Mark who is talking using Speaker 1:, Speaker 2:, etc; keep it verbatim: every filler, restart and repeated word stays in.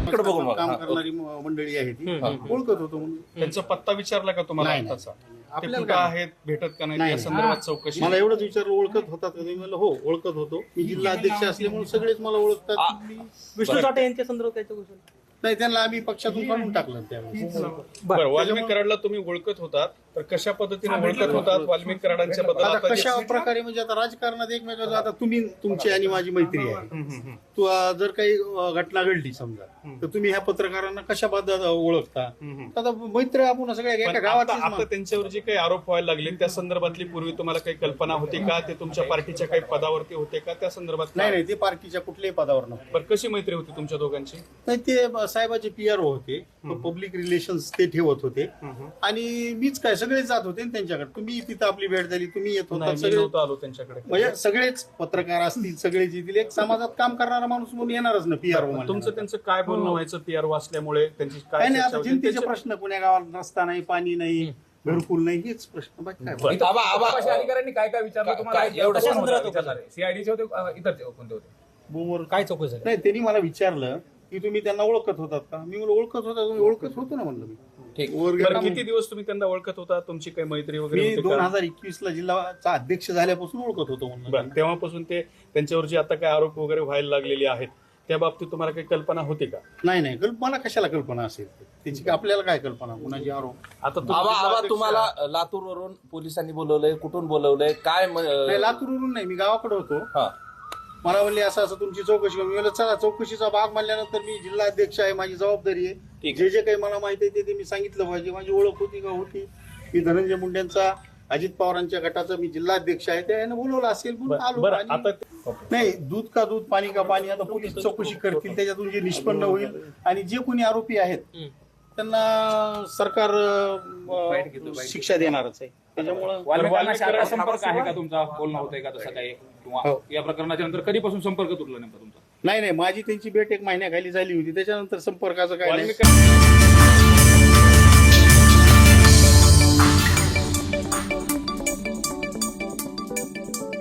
Speaker 1: इकडे बघून बघा.
Speaker 2: काम
Speaker 1: हा,
Speaker 2: करणारी म- मंडळी आहे ती ओळखत होतो म्हणून.
Speaker 3: त्यांचा पत्ता विचारला का तुम्हाला
Speaker 2: नाही, नाही.
Speaker 3: आत्ताचा? ते
Speaker 2: आपल्याला
Speaker 3: कुठं
Speaker 2: काय?
Speaker 3: आहेत, भेटत का नाही
Speaker 2: नाही,
Speaker 3: या
Speaker 2: नाही.
Speaker 3: संदर्भात चौकशी?
Speaker 2: मला एवढंच विचारलं ओळखत होतात का तुम्ही? म्हणलं हो ओळखत होतो. मी जिल्हा अध्यक्ष असल्यामुळे सगळेच मला ओळखतात.
Speaker 4: विष्णू साठे यांच्या संदर्भात काय चौकशी झाली?
Speaker 2: नाही त्यांना आम्ही पक्षातून काढून टाकलं त्यावेळेस.
Speaker 3: बरं, वाल्मिक कराडला तुम्ही ओळखत होतात तर कशा पद्धतीने ओळखत होतात वाल्मिक कराडांच्या बद्दल?
Speaker 2: आता
Speaker 3: आता
Speaker 2: कशा
Speaker 3: जे-
Speaker 2: प्रकारे म्हणजे आता राजकारणात एकमेकांचं आता तुम्ही तुमची आणि माझी मैत्री आहे. तू अं, जर काही अं, घटना घडली समजा तर तुम्ही ह्या पत्रकारांना कशा पद्धत ओळखता? आता मैत्री आपण सगळ्या
Speaker 3: पण
Speaker 2: एका
Speaker 3: आता
Speaker 2: गावात
Speaker 3: आता त्यांच्यावर जे काही आरोप व्हायला लागले त्या संदर्भातली पूर्वी तुम्हाला काही कल्पना होती का? ते तुमच्या पार्टीच्या काही पदावरती होते का? त्या संदर्भात
Speaker 2: नाही नाही ते पार्टीच्या कुठल्याही पदावर नव्हते.
Speaker 3: बरं, कशी मैत्री होती तुमच्या दोघांची?
Speaker 2: नाही ते साहेबाचे पी आर होते, पब्लिक रिलेशन्स ते ठेवत होते आणि मीच काय सगळेच जात होते ना त्यांच्याकडे. तुम्ही तिथं आपली भेट झाली, तुम्ही येत होता
Speaker 3: नाही, मी
Speaker 2: सगळे
Speaker 3: नव्हतो आलो त्यांच्याकडे.
Speaker 2: म्हणजे सगळेच पत्रकार असतील सगळेच येतील. एक समाजात काम करणारा माणूस म्हणून येणारच ना पी आर
Speaker 3: तुमचं त्यांचं काय बोलणं व्हायचं पी आर वाचल्यामुळे? त्यांची
Speaker 2: काय
Speaker 3: काय
Speaker 2: नाही
Speaker 3: चर्चा
Speaker 2: आता
Speaker 3: होती?
Speaker 2: जनतेचे
Speaker 3: त्यांच्या-
Speaker 2: प्रश्न पुण्या गावात रस्ता नाही, पाणी नाही, घरकुल नाही, हेच प्रश्न बाकी काय.
Speaker 3: बरं.
Speaker 1: आबा आबा
Speaker 5: कशा अधिकाऱ्यांनी काय काय विचारलं
Speaker 1: काय-
Speaker 5: तुम्हाला?
Speaker 1: काय- एवढं
Speaker 5: कशा
Speaker 1: सांगा.
Speaker 5: संदर्भात विचारलं? सीआयडीचे होते अ, इतर कोणते होते?
Speaker 2: बोमवर
Speaker 4: काय चौकशी झाली?
Speaker 2: नाही त्यांनी मला विचारलं की तुम्ही त्यांना ओळखत होतात का? मी म्हणलं ओळखत होता. तुम्ही ओळखत होतो ना म्हणलं मी.
Speaker 1: ठीक.
Speaker 2: वर
Speaker 3: बरं,
Speaker 2: गेला
Speaker 3: किती दिवस तुम्ही त्यांना ओळखत होता? तुमची काही मैत्री वगैरे
Speaker 2: मी
Speaker 3: होती
Speaker 2: दोन
Speaker 3: का?
Speaker 2: हजार एकवीस ला जिल्हाचा अध्यक्ष झाल्यापासून ओळखत होतो
Speaker 3: बरं,
Speaker 2: म्हणलं.
Speaker 3: तेव्हापासून ते त्यांच्यावर जे आता काय आरोप वगैरे व्हायला लागलेले आहेत त्या बाबतीत तुम्हाला काही कल्पना होती का?
Speaker 2: नाही नाही कल्प- मला कशाला कल्पना असेल त्याची काय आपल्याला काय कल्पना कुणाची आरोप?
Speaker 3: आता तुम्ही
Speaker 1: आबा
Speaker 3: जिल्हा
Speaker 1: आबा
Speaker 3: अध्यक्ष
Speaker 1: तुम्हाला
Speaker 3: आहात.
Speaker 1: लातूर वरून पोलिसांनी बोलवलंय, कुठून बोलवलंय, काय म-
Speaker 2: नाही लातूरवरून नाही, मी गावाकडे होतो.
Speaker 1: हा.
Speaker 2: मला म्हणले असं असं तुमची चौकशी करू. मी म्हणलं चला चौकशीचा भाग म्हणल्यानंतर मी जिल्हा अध्यक्ष आहे, माझी जबाबदारी आहे.
Speaker 1: ठीक.
Speaker 2: जे जे काही मला माहिती आहे ते ते मी सांगितलं पाहिजे. माझी ओळख होती का होती. मी धनंजय मुंडेंचा अजित पवारांच्या गटाचा मी जिल्हा अध्यक्ष आहे. त्याने बोलवलं असेल म्हणून
Speaker 3: बरं,
Speaker 2: आलो.
Speaker 3: बरं,
Speaker 2: आणि-
Speaker 3: आता ओके.
Speaker 2: नाही दूध का दूध पाणी का पाणी आता पोलीस चौकशी करतील, त्याच्यातून जे निष्पन्न होईल आणि जे कोणी आरोपी आहेत त्यांना सरकार अं, शिक्षा देणारच आहे. त्याच्यामुळं
Speaker 5: वाल्मिकांना शाखा
Speaker 3: वाल्मिक
Speaker 5: संपर्क आहे का तुमचा? बोलणं होतंय का तसं काही? किंवा
Speaker 2: हो.
Speaker 5: या प्रकरणाच्या नंतर कधीपासून संपर्क तुटला नेमका तुमचा?
Speaker 2: नाही नाही माझी त्यांची भेट एक महिन्याखाली झाली होती. त्याच्यानंतर संपर्काचं काय नाही.
Speaker 3: वाल्मिक